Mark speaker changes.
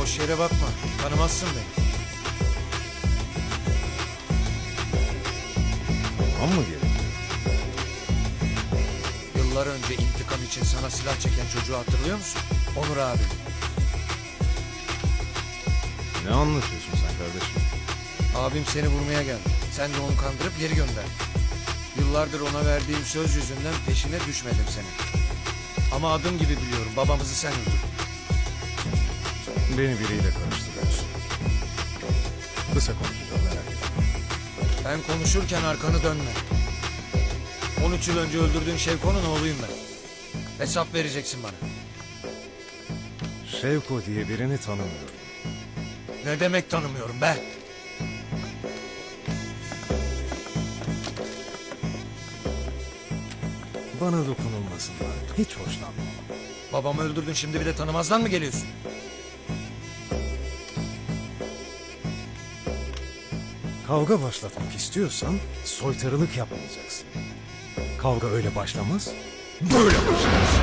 Speaker 1: Boş yere bakma. Tanımazsın beni.
Speaker 2: Tamam mı gerekiyor?
Speaker 1: Yıllar önce intikam için sana silah çeken çocuğu hatırlıyor musun? Onur abi.
Speaker 2: Ne anlatıyorsun sen kardeşim?
Speaker 1: Abim seni vurmaya geldi. Sen de onu kandırıp geri gönderdin. Yıllardır ona verdiğim söz yüzünden peşine düşmedim senin. Ama adım gibi biliyorum, babamızı sen öldürdün.
Speaker 2: Beni biriyle karıştırıyorsun. Kısa konuşacağım, merak etme.
Speaker 1: Ben konuşurken arkanı dönme. 13 yıl önce öldürdüğün Şevko'nun oğluyum ben. Hesap vereceksin bana.
Speaker 2: Şevko diye birini tanımıyorum.
Speaker 1: Ne demek tanımıyorum be?
Speaker 2: Bana dokunulmasından hiç hoşlanmam.
Speaker 1: Babamı öldürdün, şimdi bir de tanımazdan mı geliyorsun?
Speaker 2: Kavga başlatmak istiyorsan soytarılık yapmayacaksın. Kavga öyle başlamaz, böyle başlar.